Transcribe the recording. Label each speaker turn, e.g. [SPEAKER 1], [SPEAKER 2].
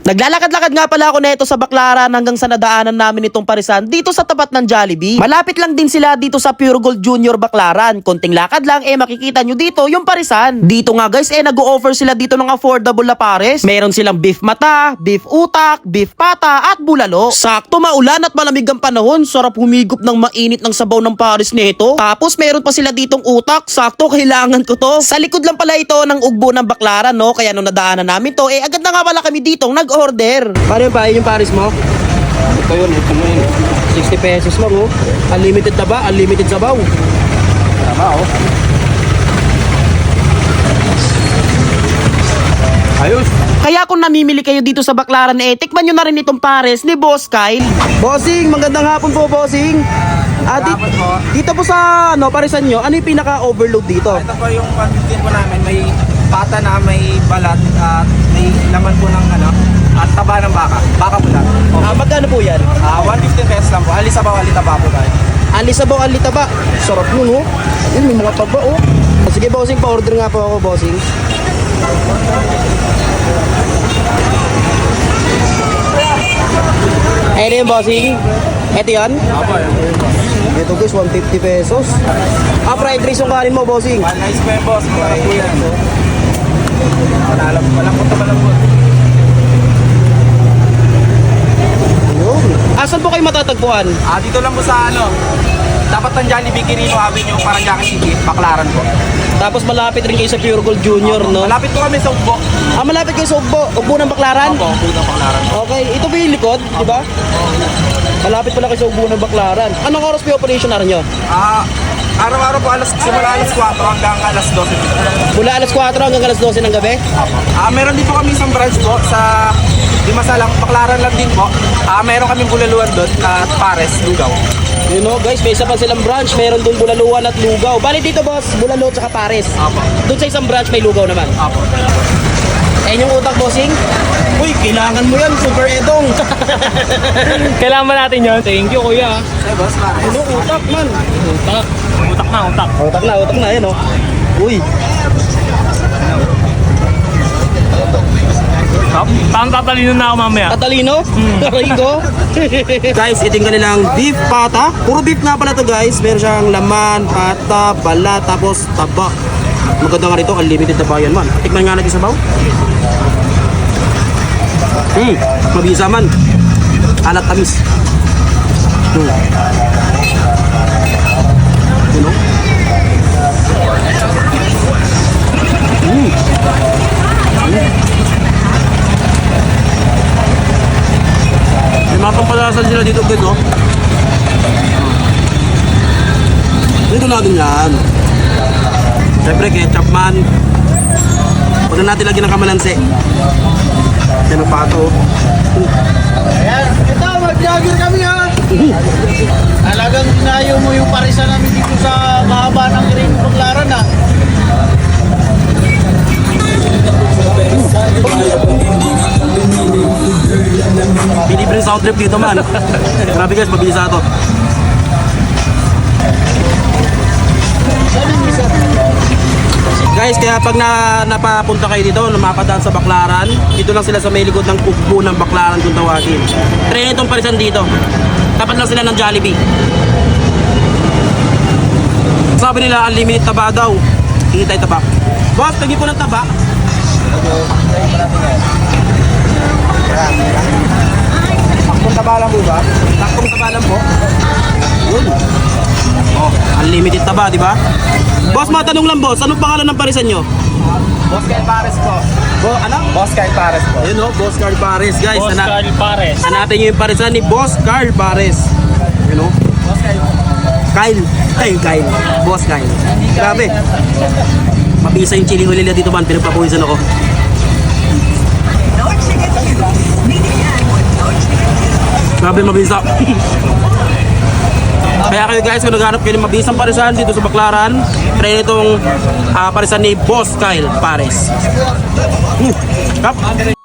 [SPEAKER 1] Naglalakad-lakad nga pala ako neto sa Baclaran hanggang sa nadaanan namin itong parisan dito sa tapat ng Jollibee. Malapit lang din sila dito sa Pure Gold Junior Baclaran. Konting lakad lang makikita nyo dito yung parisan. Dito nga guys nag-o-offer sila dito ng affordable na pares. Meron silang beef mata, beef utak, beef pata at bulalo. Sakto maulan at malamig ang panahon. Sarap humigop ng mainit ng sabaw ng pares nito. Tapos meron pa sila ditong utak. Sakto kailangan ko to. Sa likod lang pala ito ng ugbo ng Baclaran no. Kaya nung nadaanan namin to agad na nga pala kami ditong order. Paano yung yung pares mo?
[SPEAKER 2] Ito yun.
[SPEAKER 1] 60 pesos lang oh. Unlimited na ba? Unlimited sabaw.
[SPEAKER 2] Tama oh. Ayos.
[SPEAKER 1] Kaya kung namimili kayo dito sa Baclaran tikman nyo na rin itong pares ni Boss Kyle. Bossing, magandang hapon po Bossing. Dito po sa parisan nyo, ano yung pinaka-overload dito?
[SPEAKER 2] Ito po yung pantitin po namin. May pata na may balat at may laman po ng at taba ng baka. Baka po lang.
[SPEAKER 1] Magkano po yan?
[SPEAKER 2] 150 pesos lang po. Alisabaw, alitaba po tayo.
[SPEAKER 1] Alisabaw, alitaba. Sarap nun oh. Ayun, may mga taba oh. Sige Bossing, pa-order nga po ako Bossing. Ayun yung Bossing. Ito yan?
[SPEAKER 2] Apo.
[SPEAKER 1] Ito guys, 150 pesos. Fried rice yung kanin mo Bossing.
[SPEAKER 2] Nice po yung boss. Mura po yan. Walang po ito malambot.
[SPEAKER 1] Asan po kayo matatagpuan?
[SPEAKER 2] Dito lang po sa dapat ng Jollibee Quirino Avenue, Paranaque City, Baclaran po.
[SPEAKER 1] Tapos malapit rin kayo sa Pure Gold Junior, no?
[SPEAKER 2] Malapit po kami sa Ugbo.
[SPEAKER 1] Malapit kayo sa Ugbo. Ugbo ng Baclaran?
[SPEAKER 2] Opo, Ugbo ng Baclaran.
[SPEAKER 1] Okay, ito po yung likod, di ba? Malapit pala kayo sa Ugbo ng Baclaran. Anong oras po yung operation na nyo?
[SPEAKER 2] Araw-araw po simula alas 4 hanggang alas 12.
[SPEAKER 1] Mula alas 4 hanggang alas 12 ng gabi?
[SPEAKER 2] Meron din po kami isang branch po sa Dimasalang, Baclaran lang din po. Meron kaming bulaluan doon at pares, lugaw.
[SPEAKER 1] You know guys, may isa pa silang branch. Meron doon bulaluan at lugaw. Bali dito boss, bulalo at saka pares.
[SPEAKER 2] Apo.
[SPEAKER 1] Doon sa isang branch may lugaw naman.
[SPEAKER 2] Apo.
[SPEAKER 1] Ayun yung utak Bossing. Uy, kailangan mo yan, Super Edong.
[SPEAKER 3] Kailangan ba natin yun? Thank you, kuya.
[SPEAKER 2] Ay, boss, pares.
[SPEAKER 1] Ano utak man?
[SPEAKER 3] Utak. Utak na, utak.
[SPEAKER 1] Utak na, yan oh. Uy.
[SPEAKER 3] Parang tatalino na ako mamaya.
[SPEAKER 1] Katalino? Aray ko. Guys, ito yung kanilang beef pata. Puro beef nga pala to guys. Meron siyang laman, pata, balat, tapos taba. Maganda nga rito, unlimited na ba yan man. Tikman nga natin sa baw. Mabisa man. Alat tamis. You know? May mga pampalasan sila dito guys oh. Dito natin yan. Siyempre ketchup man. Huwag na natin lagyan ng kamalansi. Yan ang pato.
[SPEAKER 4] Ayan, ito, mag-jogger kami ha. Talagang dinayo mo yung parisan namin dito sa mahaba ng Quirino Baclaran ha.
[SPEAKER 1] Binibreng south trip dito man. Grabe guys, mabilis na ito. Guys, kaya pag napapunta kayo dito, lumapadaan sa Baclaran, dito lang sila sa may likod ng Ugbo ng Baclaran kung tawagin. Try itong parisan dito. Tapat lang sila ng Jollibee. Sabi nila, unlimited taba daw. Hintay taba. Boss, tagi po ng taba.
[SPEAKER 2] Takbong taba lang po ba?
[SPEAKER 1] Takpong taba lang po. Unlimited taba, di ba? Boss, matanong lang boss, anong pangalan ng parisan nyo?
[SPEAKER 2] Boss Kyle Pares po.
[SPEAKER 1] Ano?
[SPEAKER 2] Boss Kyle Pares po.
[SPEAKER 1] Ayun o, Boss Carl Pares guys.
[SPEAKER 3] Boss Carl Pares.
[SPEAKER 1] Hanapin nyo yung parisan ni Boss Carl Pares. You know?
[SPEAKER 2] Boss Kyle.
[SPEAKER 1] Kyle. Boss Kyle. Grabe. Mabisa yung chili nila dito man, pinagpapawisan ako. Grabe mabisa. Kaya kayo guys, kung naghanap kayo ng mabisang parisan dito sa Baclaran, try itong parisan ni Boss Kyle Pares. Kap.